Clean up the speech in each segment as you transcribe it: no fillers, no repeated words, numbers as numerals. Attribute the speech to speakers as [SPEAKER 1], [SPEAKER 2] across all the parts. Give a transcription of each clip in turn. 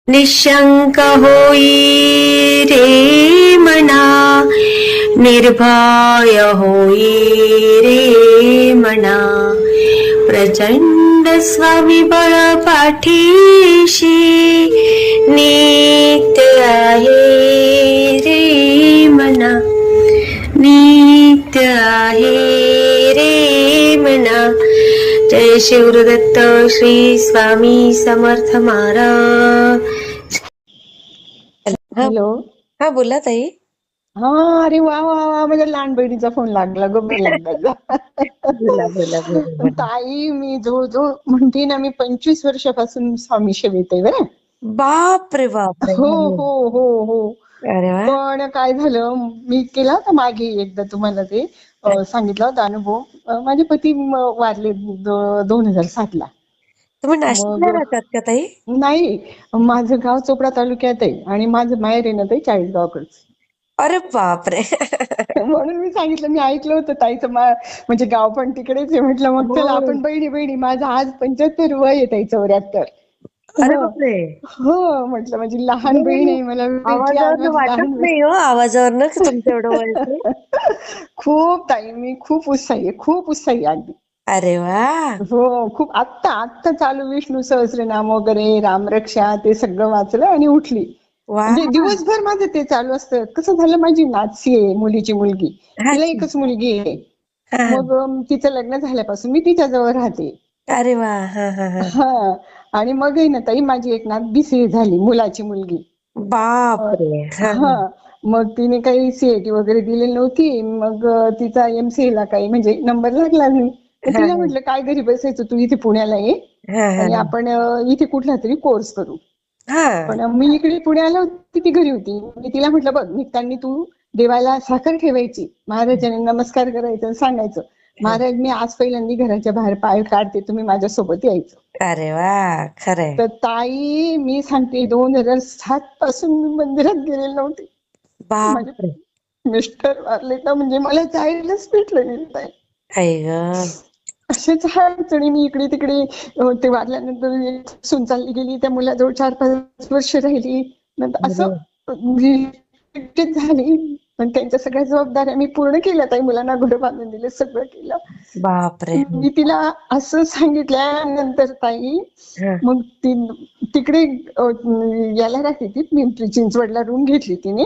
[SPEAKER 1] निशंक होई रे मना, निर्भय होई रे मना, प्रचंड स्वविबळ पाठीशी नित्य आहे रे मना, नित्य आहे रे मना. जय शिवदत्त श्री स्वामी समर्थ महाराज.
[SPEAKER 2] हॅलो.
[SPEAKER 1] हा बोला ताई.
[SPEAKER 2] हा, अरे वा वा वा, माझ्या लहान बहिणीचा फोन लागला ग पहिल्यांदा.
[SPEAKER 1] बोला बोला बोला.
[SPEAKER 2] ताई, मी जवळजवळ म्हणते ना, मी 25 वर्षापासून स्वामी सेवेत आहे बरं.
[SPEAKER 1] बाप रे बाप रे.
[SPEAKER 2] हो हो हो हो.
[SPEAKER 1] अरे वा.
[SPEAKER 2] पण काय झालं, मी केला होता मागे एकदा तुम्हाला ते सांगितला होता अनुभव. माझे पती वारले 2007 ला.
[SPEAKER 1] तुम्ही नाशिकला
[SPEAKER 2] मग
[SPEAKER 1] राहतात का ताई?
[SPEAKER 2] नाही, माझं गाव चोपडा तालुक्यात आहे आणि माझं माहेर आहे ना ते चाळीसगावकडचं.
[SPEAKER 1] अरे बाप रे.
[SPEAKER 2] म्हणून मी सांगितलं, मी ऐकलं होतं ताईचं म्हणजे गाव पण तिकडेच आहे. म्हटलं मग चला आपण बहिणी बहिणी. माझं आज 75 वय आहे ताई, 74.
[SPEAKER 1] अरे
[SPEAKER 2] हो
[SPEAKER 1] बापरे.
[SPEAKER 2] हो, म्हटलं माझी लहान बहीण आहे, मला भेटली आज
[SPEAKER 1] आवाजावरनं
[SPEAKER 2] माझी लहान
[SPEAKER 1] वाटत नाही हो, आवाजावरनं की तुमचं एवढं वय असेल.
[SPEAKER 2] खूप ताई, मी खूप उत्साही आहे, खूप उत्साही आहे अगदी.
[SPEAKER 1] अरे वा.
[SPEAKER 2] हो, खूप. आत्ता चालू विष्णू सहस्रनाम वगैरे, रामरक्षा ते सगळं वाचलं आणि उठली.
[SPEAKER 1] वा.
[SPEAKER 2] म्हणजे दिवसभर माझं ते चालू असतं. कसं झालं, माझी नातसी आहे, मुलीची मुलगी. तिला एकच मुलगी आहे. मग तिचं लग्न झाल्यापासून मी तिच्याजवळ राहते.
[SPEAKER 1] अरे वा. हा हा हा.
[SPEAKER 2] हा, आणि मग आहे ना ताई, माझी एक नात BCA झाली, मुलाची मुलगी.
[SPEAKER 1] बाप रे.
[SPEAKER 2] हा, मग तिने काही CIT वगैरे दिलेली नव्हती. मग तिचा MCA ला काही म्हणजे नंबर लागला नाही. तर तिला म्हटलं, काय घरी बसायचं, तू इथे पुण्याला ये आणि आपण इथे कुठला तरी कोर्स करू. पण मी इकडे पुण्याला होती, ती घरी होती. मी तिला म्हटलं, बघ, निघताना तू देवाला साखर ठेवायची, महाराजांना नमस्कार करायचं आणि सांगायचं, महाराज मी आज पहिल्यांदा घराच्या बाहेर पाय काढते, तुम्ही माझ्यासोबत यायचं.
[SPEAKER 1] अरे वा. खरंय.
[SPEAKER 2] तर ताई, मी सांगते 2007 पासून मी मंदिरात गेलेले नव्हते. माझे
[SPEAKER 1] बाप रे.
[SPEAKER 2] मिस्टर वारले का म्हणजे मला जायलाच भेटलं नाही ताई.
[SPEAKER 1] आई ग.
[SPEAKER 2] असेच अडचणी, मी इकडे तिकडे. ते वारल्यानंतर सून चालली गेली, त्या मुलाजवळ 4-5 वर्ष राहिली. नंतर असं रिजेक्ट झाली. पण त्यांच्या सगळ्या जबाबदाऱ्या मी पूर्ण केल्या ताई. मुलांना घर बांधून दिले, सगळं केलं.
[SPEAKER 1] बाप रे.
[SPEAKER 2] मी तिला असं सांगितल्यानंतर ताई, मग ती तिकडे याला राहते, ती पिंपरी चिंचवडला रूम घेतली तिने.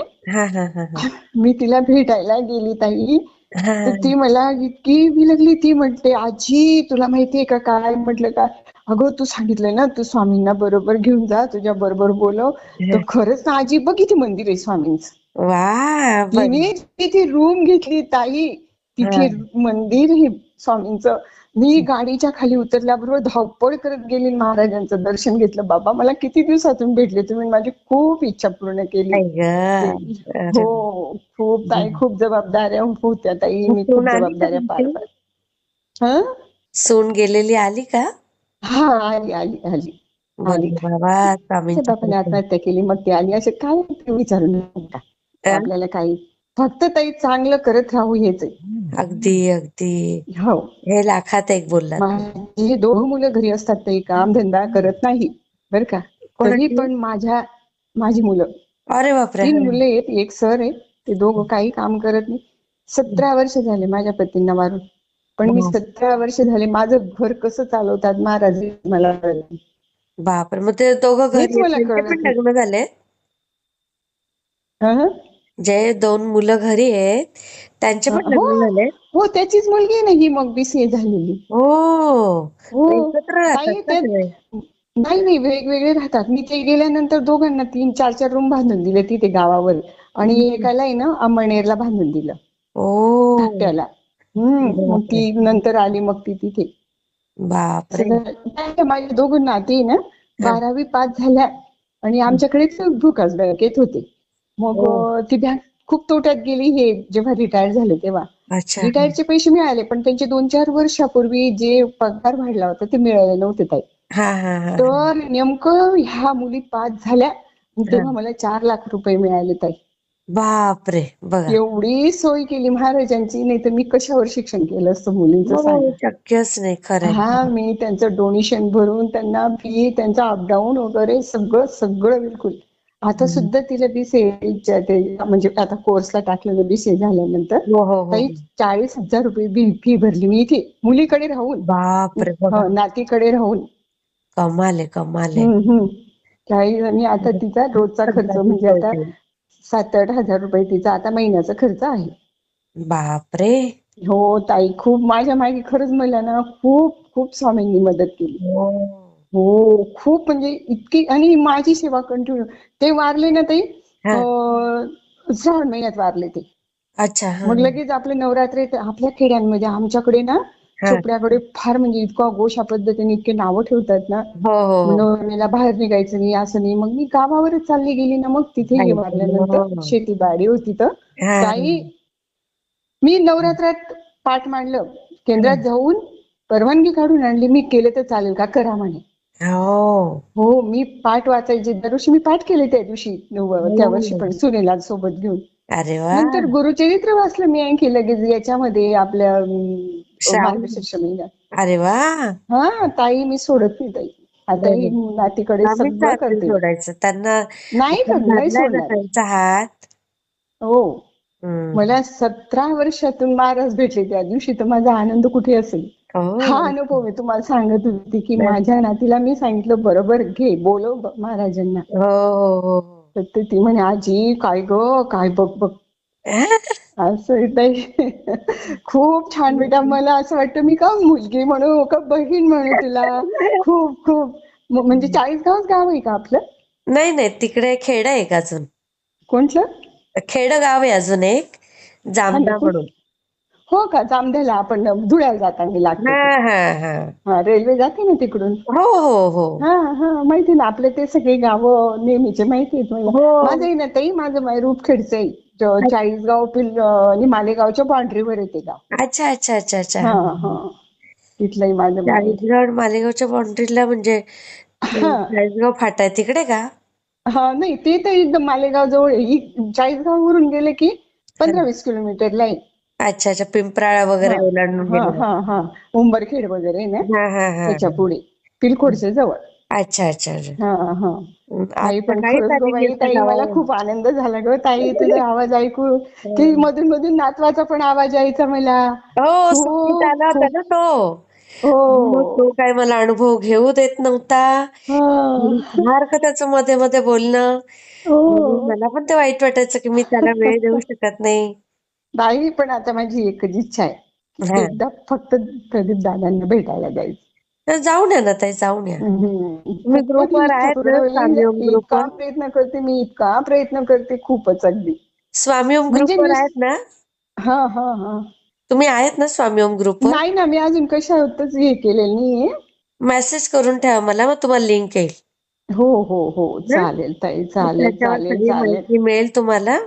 [SPEAKER 2] मी तिला भेटायला गेली ताई, तर ती मला इतकी बिलगली. ती म्हणते, आजी तुला माहितीये का काय? म्हटलं काय? अगं, तू सांगितलंय ना, तू स्वामींना बरोबर घेऊन जा, तुझ्या बरोबर बोलव. तर खरंच ना आजी, बघ किती मंदिर आहे स्वामींचं.
[SPEAKER 1] वा.
[SPEAKER 2] तिने तिथे रूम घेतली ताई, तिथे मंदिर हे स्वामींचं. मी गाडीच्या खाली उतरल्याबरोबर धावपळ करत गेली, महाराजांचं दर्शन घेतलं. बाबा, मला किती दिवसातून भेटले तुम्ही, माझी खूप इच्छा पूर्ण केली. हो, खूप ताई, खूप जबाबदाऱ्या होत्या ताई, मी खूप जबाबदाऱ्या पार पाडल्या.
[SPEAKER 1] सून गेलेली आली का?
[SPEAKER 2] हा, आली आली आली आली. बाबाने आत्महत्या केली, मग ती आली. असे काय विचारू नका, आपल्याला काही, फक्त ताई चांगलं करत राहू, हेच आहे.
[SPEAKER 1] अगदी अगदी.
[SPEAKER 2] हो,
[SPEAKER 1] हे लाखात एक बोललात.
[SPEAKER 2] माझी 2 मुलं घरी असतात, ते काम धंदा करत नाही बर का. तरी पण माझी मुलं,
[SPEAKER 1] अरे बापरे.
[SPEAKER 2] 3 मुलं आहेत, एक सर आहे. ते दोघं काही काम करत नाही. 17 वर्ष झाले माझ्या पतींना मारून. पण मी 17 वर्ष झाले माझं घर कसं चालवतात महाराज मला कळलं.
[SPEAKER 1] बापरे. मग ते दोघं घरी
[SPEAKER 2] मला
[SPEAKER 1] पण
[SPEAKER 2] कळत
[SPEAKER 1] लग्न झाले? जे 2 मुलं घरी आहेत त्यांचे पण लग्न झाले?
[SPEAKER 2] हो, त्याचीच मुलगी आहे ना ही, मग BCA झालेली.
[SPEAKER 1] हो, एकत्र राहतात सगळे?
[SPEAKER 2] नाही, वेगवेगळे राहतात. मी ते गेल्यानंतर दोघांना 3-4 रूम बांधून दिले तिथे गावावर, आणि एकाला आहे ना अमळनेरला बांधून दिलं, धाकट्याला. मग ती नंतर आली, मग ती तिथे.
[SPEAKER 1] बापरे.
[SPEAKER 2] माझ्या 2 नाती ना 12वी पास झाल्या आणि आमच्याकडेच भूकास बँकेत होते. मग ती बँक खूप तोट्यात गेली हे जेव्हा रिटायर झाले तेव्हा. रिटायरचे पैसे मिळाले, पण त्यांचे 2-4 वर्षापूर्वी जे पगार वाढला होता ते मिळाले नव्हते ताई. तर नेमकं ह्या मुली पास झाल्या तेव्हा मला 4 लाख रुपये मिळाले ताई.
[SPEAKER 1] बापरे, बघा.
[SPEAKER 2] एवढी सोय केली महाराजांची, नाही तर मी कशावर शिक्षण केलं असतं मुलींचं
[SPEAKER 1] हो,
[SPEAKER 2] सांगा.
[SPEAKER 1] शक्यच नाही, खरंय.
[SPEAKER 2] हा, मी त्यांचं डोनेशन भरून त्यांना फी, त्यांचा अपडाऊन वगैरे सगळं सगळं बिलकुल. आता सुद्धा तिला BCA ते म्हणजे आता कोर्सला टाकलेलं BCA झाल्यानंतर
[SPEAKER 1] हो हो हो.
[SPEAKER 2] काही 40,000 रुपये फी भरली मी इथे मुलीकडे राहून,
[SPEAKER 1] बापरे, बघा.
[SPEAKER 2] नातीकडे राहून.
[SPEAKER 1] कमाल आहे, कमाल आहे.
[SPEAKER 2] काही आणि आता तिचा रोजचा खर्च
[SPEAKER 1] सगळ्याची
[SPEAKER 2] म्हणजे
[SPEAKER 1] सोय
[SPEAKER 2] आता
[SPEAKER 1] केली.
[SPEAKER 2] 7-8 हजार रुपये तिचा आता महिन्याचा खर्च आहे.
[SPEAKER 1] बापरे.
[SPEAKER 2] हो ताई, खूप माझ्या मागे खरंच मला ना खूप खूप स्वामींनी मदत केली.
[SPEAKER 1] हो.
[SPEAKER 2] हो, खूप म्हणजे इतकी, आणि माझी सेवा कंटिन्यू. ते वारले ना ताई,
[SPEAKER 1] हा.
[SPEAKER 2] श्रावण महिन्यात वारले ते.
[SPEAKER 1] अच्छा. हा
[SPEAKER 2] मग लगेच आपले नवरात्र आपल्या खेड्यांमध्ये आमच्याकडे ना
[SPEAKER 1] हा.
[SPEAKER 2] चोपड्याकडे फार म्हणजे इतका गोशा पद्धतीने इतके नावं ठेवतात ना.
[SPEAKER 1] हो हो.
[SPEAKER 2] नवऱ्याला बाहेर निघायचं नाही असं नाही. मग मी गावावरच चालली गेली ना, मग तिथे हे
[SPEAKER 1] आई
[SPEAKER 2] वारल्यानंतर
[SPEAKER 1] गं.
[SPEAKER 2] शेतीबाडी होती तर
[SPEAKER 1] हा
[SPEAKER 2] ताई, मी नवरात्रात पाठ मांडलं, केंद्रात जाऊन परवानगी काढून आणली. मी केलं तर चालेल का, करा म्हणे.
[SPEAKER 1] हो.
[SPEAKER 2] हो, मी पाठ वाचायचे दरवर्षी, मी पाठ केले त्या दिवशी, त्या वर्षी
[SPEAKER 1] हो.
[SPEAKER 2] पण सुनेला सोबत घेऊन.
[SPEAKER 1] अरे वा.
[SPEAKER 2] नंतर गुरुचरित्र वाचलं मी आणखी लगेच याच्यामध्ये आपल्या
[SPEAKER 1] श्रावण.
[SPEAKER 2] मार्गशीर्ष महिन्यात.
[SPEAKER 1] अरे वा.
[SPEAKER 2] हा ताई, मी सोडत नाही ताई. आता ही
[SPEAKER 1] नाही,
[SPEAKER 2] नातीकडे
[SPEAKER 1] आम्ही
[SPEAKER 2] सगळं
[SPEAKER 1] चालतील
[SPEAKER 2] करते.
[SPEAKER 1] सोडायचं त्यांना.
[SPEAKER 2] नाही
[SPEAKER 1] आपण
[SPEAKER 2] नाही
[SPEAKER 1] धरलाय ना
[SPEAKER 2] सोडणार.
[SPEAKER 1] त्यांचा हात.
[SPEAKER 2] हो,
[SPEAKER 1] हम्म.
[SPEAKER 2] मला 17 वर्षातून महाराज भेटले त्या दिवशी, तर माझा आनंद कुठे असेल. हा
[SPEAKER 1] हो.
[SPEAKER 2] अनुभव मी तुम्हाला सांगत होती की
[SPEAKER 1] नाही.
[SPEAKER 2] माझ्या नातीला मी सांगितलं, बरोबर घे, बोलव महाराजांना.
[SPEAKER 1] हो हो हो.
[SPEAKER 2] तर ती म्हणे, आजी काय ग, काय बघ बघ. असं ताई, खूप छान बेटा. मला असं वाटतं मी का मुलगी म्हणू का बहीण म्हणू तुला. खूप खूप म्हणजे 40 गाव आहे का आपलं?
[SPEAKER 1] नाही नाही, तिकडे खेड आहे का अजून?
[SPEAKER 2] कोणतं?
[SPEAKER 1] खेड गाव आहे अजून एक,
[SPEAKER 2] हा
[SPEAKER 1] जामदा
[SPEAKER 2] नाही,
[SPEAKER 1] म्हणून.
[SPEAKER 2] हो का, जामध्याला आपण धुळ्याला जाताना लागतं
[SPEAKER 1] हा
[SPEAKER 2] ते.
[SPEAKER 1] हा हा.
[SPEAKER 2] हा, रेल्वे जाते ना तिकडून.
[SPEAKER 1] हो हो हो.
[SPEAKER 2] हा हा, माहिती ना, आपले ते सगळे गावं नेहमीचे माहिती आहेत मला.
[SPEAKER 1] हो.
[SPEAKER 2] माझंही ना ताई, माझं रूपखेडचं आहे. 40 आणि मालेगावच्या बाउंड्रीवर येते गाव.
[SPEAKER 1] अच्छा अच्छा अच्छा अच्छा.
[SPEAKER 2] हा हा, तिथलंही माझं माहेर.
[SPEAKER 1] चाळीसगाव मालेगावच्या बाउंड्रीला म्हणजे
[SPEAKER 2] हा
[SPEAKER 1] चाळीसगाव फाटा आहे तिकडे का?
[SPEAKER 2] हा, नाही ते तर एकदम मालेगाव जवळ आहे. 40 वरून गेले की 15-20 किलोमीटरला आहे.
[SPEAKER 1] अच्छा अच्छा, पिंपराळा
[SPEAKER 2] हा
[SPEAKER 1] वगैरे ओलांडून
[SPEAKER 2] हा
[SPEAKER 1] गेले.
[SPEAKER 2] हा हा, उंबरखेड वगैरे ना
[SPEAKER 1] हा हा हा.
[SPEAKER 2] त्याच्या पुढे, पिलखोडच्या जवळ.
[SPEAKER 1] अच्छा अच्छा अच्छा.
[SPEAKER 2] हा हा.
[SPEAKER 1] आज
[SPEAKER 2] ताई, पण
[SPEAKER 1] सकाळीच
[SPEAKER 2] खरंच ग
[SPEAKER 1] आलेली
[SPEAKER 2] बाई
[SPEAKER 1] असते
[SPEAKER 2] ताई, मला
[SPEAKER 1] गावावरून.
[SPEAKER 2] खूप आनंद झाला ग ताई तुझा आवाज ऐकून. की मधून मधून नातवाचा पण आवाज यायचा मला.
[SPEAKER 1] हो, सुट्टीत
[SPEAKER 2] खूप
[SPEAKER 1] आला होता
[SPEAKER 2] खूप.
[SPEAKER 1] ना तो. मग
[SPEAKER 2] हो.
[SPEAKER 1] तो काय मला अनुभव घेऊ देत नव्हता.
[SPEAKER 2] हा.
[SPEAKER 1] सारखं त्याचं मध्ये मध्ये बोलणं. मग
[SPEAKER 2] हो.
[SPEAKER 1] मला पण ते वाईट वाटायचं की मी त्याला वेळ देऊ शकत नाही.
[SPEAKER 2] नाही, पण आता माझी एकच इच्छा आहे,
[SPEAKER 1] हा.
[SPEAKER 2] एकदा फक्त प्रदीप दादांना भेटायला जायचं.
[SPEAKER 1] तर जाऊन या ना ताई, जाऊन या. तुम्ही
[SPEAKER 2] खूपच
[SPEAKER 1] ग्रुपवर
[SPEAKER 2] इच्छा
[SPEAKER 1] आहेत
[SPEAKER 2] पूर्ण
[SPEAKER 1] ना,
[SPEAKER 2] होईल.
[SPEAKER 1] स्वामी ओम
[SPEAKER 2] इतका
[SPEAKER 1] ग्रुपवर?
[SPEAKER 2] प्रयत्न करते मी, इतका प्रयत्न करते, खूपच अगदी.
[SPEAKER 1] स्वामी ओम
[SPEAKER 2] म्हणजे
[SPEAKER 1] ग्रुपवर आहेत ना?
[SPEAKER 2] हा हा हा.
[SPEAKER 1] तुम्ही आहेत ना स्वामी ओम ग्रुपवर?
[SPEAKER 2] नाही ना, मी अजून कशातच हे केलेलं नाहीये.
[SPEAKER 1] मेसेज करून ठेवा मला, मग तुम्हाला लिंक येईल
[SPEAKER 2] हो हो हो,
[SPEAKER 1] ना.
[SPEAKER 2] चालेल ताई,
[SPEAKER 1] मग
[SPEAKER 2] चालेल
[SPEAKER 1] त्याच्यावर
[SPEAKER 2] चालेल
[SPEAKER 1] सगळी
[SPEAKER 2] चालेल.
[SPEAKER 1] माहिती मिळेल तुम्हाला.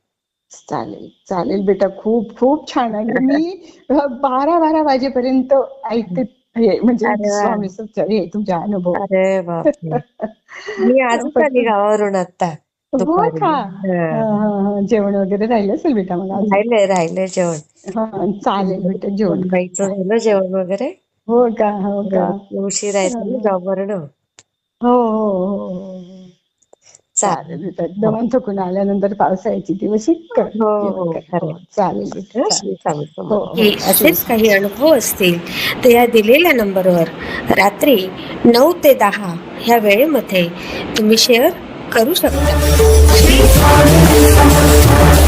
[SPEAKER 2] चालेल चालेल बेटा, खूप खूप छान. अगदी मी 12-12 वाजेपर्यंत ऐकते हे, म्हणजे
[SPEAKER 1] अरे वा.
[SPEAKER 2] स्वामी हे तुमचे अनुभव.
[SPEAKER 1] अरे बापरे. मी आजच
[SPEAKER 2] फक्त.
[SPEAKER 1] आली गावावरून आता
[SPEAKER 2] हो
[SPEAKER 1] दुपारी.
[SPEAKER 2] का,
[SPEAKER 1] हा.
[SPEAKER 2] जेवण वगैरे राहिलं असेल बेटा मग अजून.
[SPEAKER 1] राहिलंय जेवण.
[SPEAKER 2] हा, चालेल बेटा, जेवण कर.
[SPEAKER 1] बाईचं झालं जेवण वगैरे.
[SPEAKER 2] हो का, हो का.
[SPEAKER 1] उशीर आहे ना जॉबवरून.
[SPEAKER 2] हो हो हो हो. चालेल बेटा,
[SPEAKER 1] हो
[SPEAKER 2] दमून थकून आल्यानंतर पावसाळ्याची दिवस कर
[SPEAKER 1] हो
[SPEAKER 2] जेवण
[SPEAKER 1] हो,
[SPEAKER 2] कर.
[SPEAKER 1] खरं.
[SPEAKER 2] हो, चालेल बेटा,
[SPEAKER 1] श्री
[SPEAKER 2] चालेल.
[SPEAKER 1] स्वामी
[SPEAKER 2] हो
[SPEAKER 1] समर्थ.
[SPEAKER 2] हो,
[SPEAKER 3] असेच काही अनुभव असतील तर या दिलेल्या नंबरवर रात्री 9 ते 10 ह्या वेळेमध्ये तुम्ही शेअर करू शकता.